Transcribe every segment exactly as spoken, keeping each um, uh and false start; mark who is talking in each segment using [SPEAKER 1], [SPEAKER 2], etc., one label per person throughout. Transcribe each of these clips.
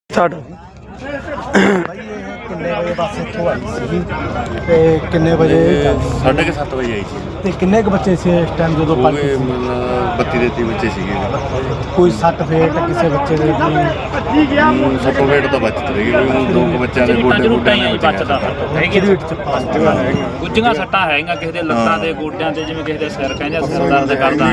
[SPEAKER 1] ਸਾਡਾ
[SPEAKER 2] ਭਾਈ ਇਹ ਕਿੰਨੇ ਵਜੇ ਬੱਸ ਇੱਥੋਂ ਆਈ ਸੀ ਤੇ ਕਿੰਨੇ ਵਜੇ
[SPEAKER 3] ਸਾਢੇ ਕੁ ਸੱਤ ਵਜੇ ਆਈ ਸੀ
[SPEAKER 2] ਤੇ ਕਿੰਨੇ ਕੁ ਬੱਚੇ ਸੀ ਇਸ ਟਾਈਮ ਜਦੋਂ
[SPEAKER 3] ਉਹ
[SPEAKER 2] ਪਲਟੀ
[SPEAKER 3] ਵੀ ਮਤਲਬ ਬੱਤੀ ਦੇ ਤੀਹ ਬੱਚੇ ਸੀਗੇ।
[SPEAKER 2] ਕੋਈ ਸੱਟ ਫੇਟ ਕਿਸੇ ਬੱਚੇ ਦੇ ਕੋਈ
[SPEAKER 3] ਸੱਤੋਂ ਵੇਟ ਤਾਂ ਬਚਤ ਰਹੀ ਕੋਈ ਦੋ ਕੁ ਬੱਚਿਆਂ ਦੇ ਗੋਡੇ ਗੋਡਿਆਂ ਦੇ
[SPEAKER 4] ਬਚਦਾ ਹੈਗੀ
[SPEAKER 2] ਢੀਡ ਚ ਪਾਸ
[SPEAKER 4] ਗੁੱਜੀਆਂ ਸੱਟਾਂ ਹੈਗੀਆਂ, ਕਿਸੇ ਦੇ ਲੱਤਾਂ ਦੇ ਗੋਡਿਆਂ ਤੇ, ਜਿਵੇਂ ਕਿਸੇ ਦੇ ਸਿਰ ਕਹਿੰਦੇ ਸਿਰ ਦਰਦ ਕਰਦਾ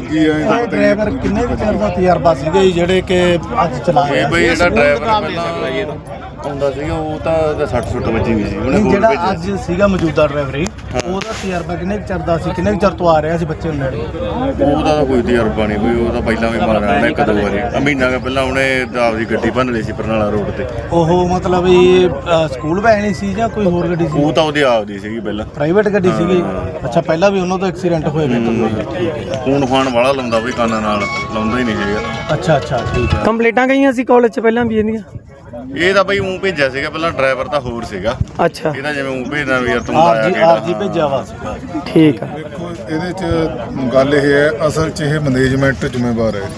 [SPEAKER 4] ਹੈ।
[SPEAKER 2] ਡਰਾਈਵਰ ਕਿੰਨੇ ਕੁ ਚਿਰ ਦਾ ਤਜਰਬਾ ਸੀਗਾ ਜੀ ਜਿਹੜੇ ਕਿ ਅੱਜ ਚਲਾ
[SPEAKER 3] ਇਹ
[SPEAKER 2] ਰਿਹਾ
[SPEAKER 3] ਬਈ ਜਿਹੜਾ ਡਰਾਈਵਰ ਪਹਿਲਾਂ ਆਉਂਦਾ ਸੀਗਾ ਉਹ ਤਾਂ ਸੱਟ ਸੁੱਟ ਵੱਜੀ ਵੀ ਸੀ ਉਹਨੇ
[SPEAKER 2] ਨਹੀਂ,
[SPEAKER 3] ਹੋਰ
[SPEAKER 2] ਜਿਹੜਾ
[SPEAKER 3] ਭੇਜਿਆ
[SPEAKER 2] ਅੱਜ ਸੀਗਾ ਮੌਜੂਦਾ ਡਰਾਈਵਰ ਹੀ ਉਹਦਾ ਤਜਰਬਾ ਕਿੰਨੇ ਕੁ ਚਿਰ ਦਾ ਸੀ, ਕਿੰਨੇ ਕੁ ਚਿਰ ਤੋਂ ਆ ਰਿਹਾ ਸੀ ਬੱਚੇ ਨੂੰ ਨੇੜੇ?
[SPEAKER 3] ਉਹਦਾ ਤਾਂ ਕੋਈ ਤਜਰਬਾ ਨਹੀਂ ਕੋਈ, ਉਹ ਤਾਂ ਪਹਿਲਾਂ ਵੀ ਮਾਰਿਆ ਉਹਨੇ ਇੱਕ ਦੋ ਵਾਰੀ ਆਹ ਮਹੀਨਾ ਕੁ ਪਹਿਲਾਂ ਉਹਨੇ ਆਪਦੀ ਗੱਡੀ ਭੰਨ ਲਈ ਸੀ ਬਰਨਾਲਾ ਰੋਡ ਤੇ।
[SPEAKER 2] ਉਹ ਮਤਲਬ ਇਹ ਅ, ਸਕੂਲ ਵੈਨ ਹੀ ਸੀ ਜਾਂ ਕੋਈ ਹੋਰ ਗੱਡੀ ਸੀ?
[SPEAKER 3] ਉਹ ਤਾਂ ਉਹਦੀ ਆਪਦੀ ਸੀਗੀ ਪਹਿਲਾਂ,
[SPEAKER 2] ਪ੍ਰਾਈਵੇਟ ਗੱਡੀ ਸੀਗੀ। ਅੱਛਾ, ਪਹਿਲਾਂ ਵੀ ਉਹਨਾਂ ਦਾ ਐਕਸੀਡੈਂਟ ਹੋਏ ਵੇ
[SPEAKER 3] ਫੋਨ ਫਾਨ ਵਾਲਾ ਲਾਉਂਦਾ ਬਈ ਕੰਨਾਂ ਨਾਲ, ਲਾਉਂਦਾ ਹੀ ਨਹੀਂ ਹੈਗਾ।
[SPEAKER 2] ਅੱਛਾ ਅੱਛਾ ਠੀਕ ਹੈ।
[SPEAKER 1] ਕੰਪਲੀਟਾਂ ਗਈਆਂ ਸੀ ਕਾਲਜ 'ਚ ਪਹਿਲਾਂ ਵੀ ਇਹਦੀਆਂ।
[SPEAKER 3] ਇਹ ਤਾਂ ਬਈ ਉਹ ਭੇਜਿਆ ਸੀਗਾ ਪਹਿਲਾਂ, ਡਰਾਈਵਰ ਤਾਂ ਹੋਰ ਸੀਗਾ
[SPEAKER 1] ਅੱਛਾ
[SPEAKER 3] ਇਹਦਾ, ਜਿਵੇਂ ਉਹ ਭੇਜਦਾ ਵੀ ਯਾਰ ਤੂੰ
[SPEAKER 2] ਆਰ
[SPEAKER 3] ਆਇਆ
[SPEAKER 2] ਜੀ ਆਰ ਜੀ ਭੇਜਿਆ ਵਾ ਸੀਗਾ।
[SPEAKER 1] ਠੀਕ ਆ।
[SPEAKER 5] ਦੇਖੋ ਇਹਦੇ ਚ ਗੱਲ ਇਹ ਹੈ, ਅਸਲ ਚ ਇਹ ਮੈਨੇਜਮੈਂਟ ਜ਼ਿੰਮੇਵਾਰ ਹੈ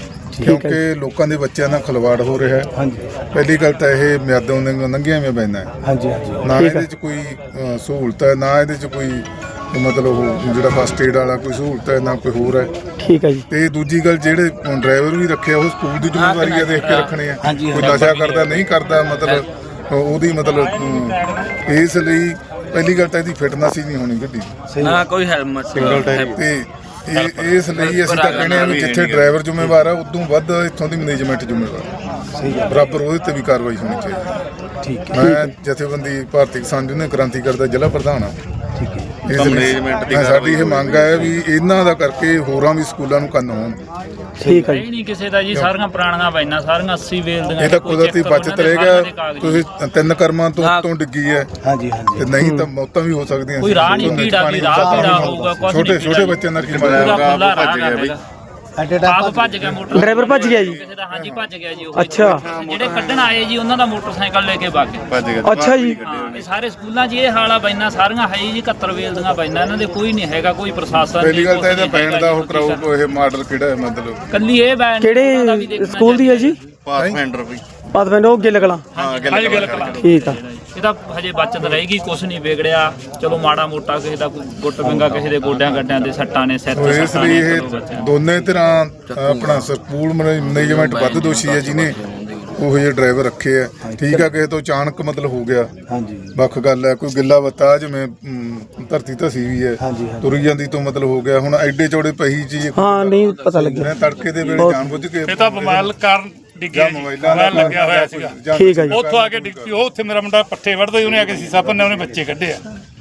[SPEAKER 5] ਕਿਉਂਕਿ ਲੋਕਾਂ ਦੇ ਬੱਚਿਆਂ ਨਾਲ ਖਿਲਵਾੜ ਹੋ ਰਿਹਾ ਹੈ।
[SPEAKER 2] ਹਾਂਜੀ
[SPEAKER 5] ਪਹਿਲੀ ਗੱਲ ਤਾਂ ਇਹ ਮਿਆਦੋਂ ਦੇ ਲੰਘੀਆਂ ਹੋਈਆਂ ਪੈਂਦਾ ਹੈ,
[SPEAKER 2] ਹਾਂਜੀ ਹਾਂਜੀ
[SPEAKER 5] ਨਾ ਇਹਦੇ ਚ ਕੋਈ ਅ, ਸਹੂਲਤ ਹੈ, ਨਾ ਇਹਦੇ ਚ ਕੋਈ ਮਤਲਬ ਉਹ ਜਿਹੜਾ ਫਸਟ ਏਡ ਵਾਲਾ ਕੋਈ ਸਹੂਲਤ ਹੈ, ਨਾ ਕੋਈ ਹੋਰ ਹੈ।
[SPEAKER 1] ਠੀਕ ਹੈ ਜੀ।
[SPEAKER 5] ਤੇ ਦੂਜੀ ਗੱਲ ਜਿਹੜੇ ਡਰਾਈਵਰ ਵੀ ਰੱਖਿਆ ਉਹ ਸਕੂਲ ਦੀ ਜ਼ਿੰਮੇਵਾਰੀ ਹੈ ਦੇਖ ਕੇ ਰੱਖਣੇ ਆ,
[SPEAKER 2] ਹਾਂਜੀ,
[SPEAKER 5] ਕੋਈ ਨਸ਼ਾ ਕਰਦਾ ਨਹੀਂ ਕਰਦਾ, ਮਤਲਬ ਉਹਦੀ ਮਤਲਬ ਅਮ, ਇਸ ਲਈ ਪਹਿਲੀ ਗੱਲ ਤਾਂ ਇਹਦੀ ਫਿਟਨੈਸ ਹੀ ਨਹੀਂ ਹੋਣੀ ਗੱਡੀ ਦੀ।
[SPEAKER 4] ਨਾ ਕੋਈ ਹੈਲਮਟ ਸਿੰਗਲ ਟਾਈਪ
[SPEAKER 5] ਤੇ ਇਹ ਇਸ ਲਈ ਅਸੀਂ ਤਾਂ ਕਹਿੰਦੇ ਹਾਂ ਵੀ ਜਿੱਥੇ ਡਰਾਈਵਰ ਜ਼ਿੰਮੇਵਾਰ ਆ ਉਦੋਂ ਵੱਧ ਇੱਥੋਂ ਦੀ ਮੈਨੇਜਮੈਂਟ ਜ਼ਿੰਮੇਵਾਰ
[SPEAKER 2] ਸਹੀ ਗੱਲ
[SPEAKER 5] ਬਰਾਬਰ ਉਹਦੇ ਤੇ ਵੀ ਕਾਰਵਾਈ ਹੋਣੀ ਚਾਹੀਦੀ।
[SPEAKER 2] ਠੀਕ ਹੈ
[SPEAKER 5] ਮੈਂ ਜਥੇਬੰਦੀ ਭਾਰਤੀ ਕਿਸਾਨ ਯੂਨੀਅਨ ਕ੍ਰਾਂਤੀ ਕਰਦਾ ਜ਼ਿਲ੍ਹਾ ਪ੍ਰਧਾਨ ਆ।
[SPEAKER 2] ਠੀਕ ਹੈ
[SPEAKER 5] ਇਸ ਲਈ
[SPEAKER 3] ਮੈਨੇਜਮੈਂਟ ਦੀ
[SPEAKER 5] ਹਾਂ, ਸਾਡੀ ਇਹ ਮੰਗ ਹੈ ਵੀ ਇਹਨਾਂ ਦਾ ਕਰਕੇ ਹੋਰਾਂ ਵੀ ਸਕੂਲਾਂ ਨੂੰ ਕੰਨ ਹੋਣ।
[SPEAKER 1] ਠੀਕ ਹੈ ਜੀ।
[SPEAKER 4] ਇਹ ਨਹੀਂ ਕਿਸੇ ਦਾ ਜੀ, ਸਾਰੀਆਂ ਪੁਰਾਣੀਆਂ ਪੈਨਾਂ ਸਾਰੀਆਂ ਅੱਸੀ ਵੇਲ ਦੀਆਂ।
[SPEAKER 5] ਇਹ ਤਾਂ ਕੁਦਰਤੀ ਬਚਤ ਰਹੇਗਾ, ਤੁਸੀਂ ਤਿੰਨ ਕਰਮਾਂ ਤੋਂ ਉੱਤੋਂ ਡਿੱਗੀ ਹੈ
[SPEAKER 2] ਹਾਂਜੀ ਹਾਂਜੀ
[SPEAKER 5] ਤੇ ਨਹੀਂ ਤਾਂ ਮੌਤਾਂ ਵੀ ਹੋ ਸਕਦੀਆਂ
[SPEAKER 4] ਕੋਈ ਰਾਹ ਨਹੀਂ,
[SPEAKER 5] ਝੋਨੇ 'ਚ
[SPEAKER 4] ਪੀੜਾ
[SPEAKER 5] ਪਾਣੀ
[SPEAKER 4] ਦੀ ਰਾਹ
[SPEAKER 5] ਸਾਫ਼
[SPEAKER 4] ਪੀੜਾ
[SPEAKER 5] ਨਹੀਂ
[SPEAKER 4] ਹੋਊਗਾ, ਕੁਛ
[SPEAKER 5] ਛੋਟੇ
[SPEAKER 4] ਨਹੀਂ
[SPEAKER 5] ਛੋਟੇ ਬੱਚਿਆਂ ਦਾ ਕੀ
[SPEAKER 4] ਪੂਰਾ
[SPEAKER 5] ਮਤਲਬ
[SPEAKER 4] ਖੁੱਲਾ
[SPEAKER 3] ਭੱਜ
[SPEAKER 4] ਰਾਹ
[SPEAKER 3] ਗਿਆ ਬਈ।
[SPEAKER 2] ਐਟ ਏ
[SPEAKER 4] ਆਪ
[SPEAKER 2] ਟਾਈਮ
[SPEAKER 4] ਭੱਜ ਗਿਆ ਮੋਟਰ,
[SPEAKER 1] ਡਰਾਈਵਰ ਭੱਜ ਗਿਆ ਜੀ।
[SPEAKER 4] ਕਿਸੇ ਦਾ ਹਾਂਜੀ ਭੱਜ ਗਿਆ ਜੀ। ਉਹ
[SPEAKER 1] ਅੱਛਾ।
[SPEAKER 4] ਜਿਹੜੇ ਕੱਢਣ ਆਏ ਜੀ ਉਹਨਾਂ ਦਾ ਮੋਟਰਸਾਈਕਲ ਲੈ ਕੇ ਭੱਜ ਗਏ।
[SPEAKER 3] ਭੱਜ ਗਿਆ।
[SPEAKER 1] ਅੱਛਾ ਜੀ।
[SPEAKER 4] ਹਾਂ, ਇਹ ਸਾਰੇ ਸਕੂਲਾਂ 'ਚ ਇਹ ਹਾਲ ਆ, ਬੈਨਾਂ ਸਾਰੀਆਂ ਹੈ ਜੀ ਇਕਹੱਤਰ ਵੇਲ ਦੀਆਂ ਬੈਨਾਂ, ਇਹਨਾਂ ਦੇ ਕੋਈ ਨਹੀਂ ਹੈਗਾ, ਕੋਈ ਪ੍ਰਸ਼ਾਸਨ
[SPEAKER 5] ਪਹਿਲੀ ਗੱਲ ਤਾਂ
[SPEAKER 4] ਨਹੀਂ,
[SPEAKER 5] ਇਹਦਾ ਪੈਣ ਦਾ ਉਹ ਕਰਾਓ, ਇਹ ਮਾਡਲ ਕਿਹੜਾ ਹੈ ਮਤਲਬ
[SPEAKER 4] ਕੱਲੀ ਇਹ ਬੈਨ ਉਹਨਾਂ ਦਾ ਵੀ
[SPEAKER 1] ਕਿਹੜੇ
[SPEAKER 4] ਦੇਖਣਾ
[SPEAKER 1] ਸਕੂਲ ਦੀ ਹੈ ਜੀ?
[SPEAKER 3] ਪਾਥਫਾਈਂਡਰ ਬਈ।
[SPEAKER 1] ਪਾਤਵਿੰਡ ਉਹ ਗਿੱਲ ਕਲਾਂ।
[SPEAKER 3] ਹਾਂ
[SPEAKER 4] ਹਾਂਜੀ,
[SPEAKER 3] ਗੱਲ
[SPEAKER 4] ਗੱਲ
[SPEAKER 3] ਕਰ।
[SPEAKER 1] ਠੀਕ ਆ।
[SPEAKER 4] ਇਹ ਤਾਂ ਹਜੇ ਬਚਤ ਰਹੇਗੀ, ਕੁਛ ਨਹੀਂ ਵਿਗੜਿਆ। ਚਲੋ ਮਾੜਾ ਮੋਟਾ ਕਿਸੇ ਦਾ ਕੋਈ ਗੁੱਟ ਪਿੰਗਾ, ਕਿਸੇ ਦੇ ਗੋਡਿਆਂ ਗੱਡਿਆਂ ਦੇ ਸੱਟਾਂ ਨੇ, ਸਿਰ
[SPEAKER 5] ਸੋ
[SPEAKER 4] ਤੇ
[SPEAKER 5] ਇਸ
[SPEAKER 4] ਸੱਟਾਂ
[SPEAKER 5] ਲਈ
[SPEAKER 4] ਨੇ,
[SPEAKER 5] ਇਹ
[SPEAKER 4] ਚਲੋ ਬੱਚਿਆਂ
[SPEAKER 5] ਦੋਨੇ ਤਰ੍ਹਾਂ ਆਪਣਾ ਸਕੂਲ ਮੈਨੇਜਮੈਂਟ ਵੱਧ ਦੋਸ਼ੀ ਹੈ ਜਿਹਨੇ ਉਹ ਜਿਹੇ ਡਰਾਈਵਰ ਰੱਖੇ ਆ। ਠੀਕ ਆ, ਕਿਸੇ ਤੋਂ ਅਚਾਨਕ ਮਤਲਬ ਹੋ ਗਿਆ,
[SPEAKER 2] ਹਾਂਜੀ
[SPEAKER 5] ਵੱਖ ਗੱਲ ਹੈ। ਕੋਈ ਗਿੱਲਾ ਬੱਤਾ ਜਿਵੇਂ ਅਮ, ਧਰਤੀ ਧਸੀ ਵੀ ਹੈ,
[SPEAKER 2] ਹਾਂਜੀ, ਹਾਂਜੀ।
[SPEAKER 5] ਤੁਰੀ ਜਾਂਦੀ ਤੋਂ ਮਤਲਬ ਹੋ ਗਿਆ। ਹੁਣ ਐਡੇ ਚੌੜੇ ਪਹੀ ਚੀਜ਼
[SPEAKER 1] ਹਾਂ ਨਹੀਂ ਪਤਾ ਲੱਗਿਆ।
[SPEAKER 5] ਮੈਂ ਤੜਕੇ ਦੇ ਵੇਲੇ ਜਾਣ ਬੁੱਝ ਕੇ
[SPEAKER 6] ਇਹ ਤਾਂ ਬਿਮਾਰ ਕਾਰਨ ਡਿੱਗਿਆ ਜੀ,
[SPEAKER 5] ਮੋਬਾਈਲਾਂ
[SPEAKER 6] ਮੋਬਾਈਲ ਲੱਗਿਆ ਹੋਇਆ ਸੀਗਾ।
[SPEAKER 5] ਜਾਂ
[SPEAKER 1] ਠੀਕ ਹੈ ਜੀ।
[SPEAKER 6] ਉੱਥੋਂ ਆ ਕੇ ਡਿੱਗ ਪਈ। ਉਹ ਉੱਥੇ ਮੇਰਾ ਮੁੰਡਾ ਪੱਠੇ ਵੜਦਾ, ਉਹਨੇ ਆ ਕੇ ਸੀਸਾ ਭੰਨਿਆ, ਉਹਨੇ ਬੱਚੇ ਕੱਢੇ ਆ।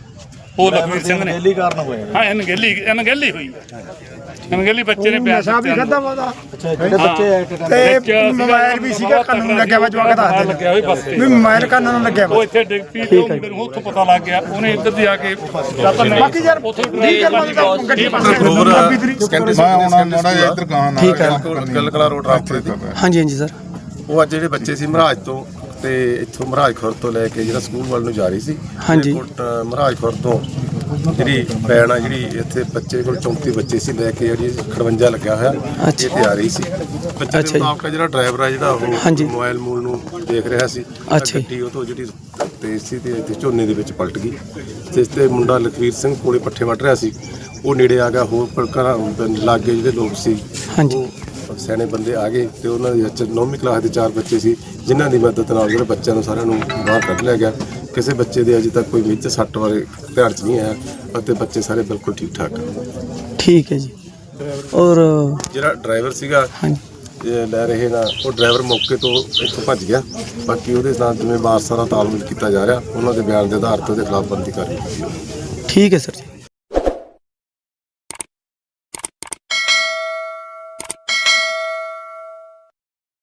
[SPEAKER 6] ਉਹ ਲਖਵੀਰ ਸਿੰਘ ਨੇ।
[SPEAKER 2] ਦਿੱਲੀ ਕਾਰਨ ਹੋਇਆ।
[SPEAKER 6] ਹਾਂ, ਅਣਗਹਿਲੀ ਅਣਗਹਿਲੀ ਹੋਈ ਅਣਗਹਿਲੀ ਬੱਚੇ ਨੇ ਬਿਆਨ ਦਿੱਤੇ।
[SPEAKER 2] ਅੱਛਾ, ਜਿਹੜੇ ਬੱਚੇ ਐਟ ਏ ਟਾਈਮ
[SPEAKER 6] ਤੇ ਮੋਬਾਈਲ ਵੀ ਸੀਗਾ, ਕੰਨ ਲੱਗਿਆ ਵਾ, ਜਵਾਕ ਦਾ ਲੱਗਿਆ ਹੋਇਆ ਬਸ ਤੇ ਵੀ ਮੋਬਾਈਲ ਕੰਨ ਨੂੰ ਲੱਗਿਆ। ਉਹ ਇੱਥੇ ਡਿੱਗ ਪਈ, ਤੇ ਉਹ ਮੁੰਡੇ ਨੂੰ ਉੱਥੋਂ ਪਤਾ ਲੱਗ ਗਿਆ, ਉਹਨੇ ਇੱਧਰ ਦੀ ਆ ਕੇ ਬਾਕੀ ਯਾਰ ਉੱਥੋਂ
[SPEAKER 5] ਮੈਂ ਆਉਣਾ ਮਾੜਾ ਜਿਹਾ ਇੱਧਰ ਗਾਹਾਂ ਨਾਲ
[SPEAKER 1] ਠੀਕ ਹੈ।
[SPEAKER 5] ਗੱਲ ਕਲਾ ਰੋਡ ਰਾਸਤੇ ਤੇ
[SPEAKER 1] ਹਾਂਜੀ ਹਾਂਜੀ ਸਰ।
[SPEAKER 7] ਉਹ ਅੱਜ ਜਿਹੜੇ ਬੱਚੇ ਸੀ ਮਹਾਰਾਜ ਤੋਂ ਤੇ ਇੱਥੋਂ ਮਹਾਰਾਜ ਖੁਰ ਤੋਂ ਲੈ ਕੇ ਜਿਹੜਾ ਸਕੂਲ ਵੱਲ ਨੂੰ ਜਾ ਰਹੀ ਸੀ।
[SPEAKER 1] ਹਾਂਜੀ।
[SPEAKER 7] ਕੋਟ ਮਹਾਰਾਜ ਖੁਰ ਤੋਂ ਜਿਹੜੀ ਪੈਣ ਆ, ਜਿਹੜੀ ਇੱਥੇ ਬੱਚੇ ਕੋਲ ਚੌਂਤੀ ਬੱਚੇ ਸੀ, ਲੈ ਕੇ ਜਿਹੜੀ ਖੜਵੰਜਾ ਲੱਗਿਆ ਹੋਇਆ ਇਹ ਤੇ ਆ ਰਹੀ ਸੀ। ਬੱਚੇ ਦੇ ਮੁਤਾਬਕ ਜਿਹੜਾ ਡਰਾਈਵਰ ਆ ਜਿਹੜਾ ਉਹ
[SPEAKER 1] ਹਾਂਜੀ।
[SPEAKER 7] ਮੋਬਾਈਲ ਮੂਲ ਨੂੰ ਦੇਖ ਰਿਹਾ ਸੀ।
[SPEAKER 1] ਅੱਛਾ ਜੀ।
[SPEAKER 7] ਗੱਡੀ ਉਹ ਤੋਂ ਜਿਹੜੀ ਤੇਜ਼ ਸੀ ਤੇ ਇੱਥੇ ਝੋਨੇ ਦੇ ਵਿੱਚ ਪਲਟ ਗਈ। ਜਿਸ ਤੇ ਮੁੰਡਾ ਲਖਵੀਰ ਸਿੰਘ ਕੋਲੇ ਪੱਠੇ ਵੱਢ ਰਿਹਾ ਸੀ, ਉਹ ਨੇੜੇ ਆ ਗਿਆ। ਹੋਰ ਘਰਾਂ ਲਾਗੇ ਜਿਹੜੇ ਲੋਕ ਸੀ,
[SPEAKER 1] ਹਾਂਜੀ।
[SPEAKER 7] ਉਹ ਸਿਆਣੇ ਬੰਦੇ ਆ ਗਏ ਤੇ ਉਹਨਾਂ ਦੇ ਵਿੱਚ ਨੌਵੀਂ ਕਲਾਸ ਦੇ ਚਾਰ ਬੱਚੇ ਸੀ, ਜਿਨ੍ਹਾਂ ਦੀ ਮਦਦ ਨਾਲ ਜਿਹੜੇ ਬੱਚਿਆਂ ਨੂੰ ਸਾਰਿਆਂ ਨੂੰ ਬਾਹਰ ਕੱਢ ਲਿਆ ਗਿਆ। ਕਿਸੇ ਬੱਚੇ ਦੇ ਅਜੇ ਤੱਕ ਕੋਈ ਮੇਜਰ ਸੱਟ ਬਾਰੇ ਧਿਆਨ 'ਚ ਨਹੀਂ ਆਇਆ ਅਤੇ ਬੱਚੇ ਸਾਰੇ ਬਿਲਕੁਲ ਠੀਕ ਠਾਕ ਆ।
[SPEAKER 1] ਠੀਕ ਹੈ ਜੀ। ਔਰ
[SPEAKER 7] ਜਿਹੜਾ ਡਰਾਈਵਰ ਸੀਗਾ
[SPEAKER 1] ਹਾਂਜੀ
[SPEAKER 7] ਇਹ ਲੈ ਰਹੇ ਨਾ, ਉਹ ਡਰਾਈਵਰ ਮੌਕੇ ਤੋਂ ਇੱਥੋਂ ਭੱਜ ਗਿਆ। ਬਾਕੀ ਉਹਦੇ ਨਾਲ ਜਿਵੇਂ ਵਾਰਸਾਂ ਨਾਲ ਤਾਲਮੇਲ ਕੀਤਾ ਜਾ ਰਿਹਾ, ਉਹਨਾਂ ਦੇ ਬਿਆਨ ਦੇ ਆਧਾਰ ਤੇ ਉਹਦੇ ਖਿਲਾਫ ਬਣਦੀ ਕਾਰਵਾਈ ਕੀਤੀ।
[SPEAKER 1] ਠੀਕ ਹੈ ਸਰ ਜੀ।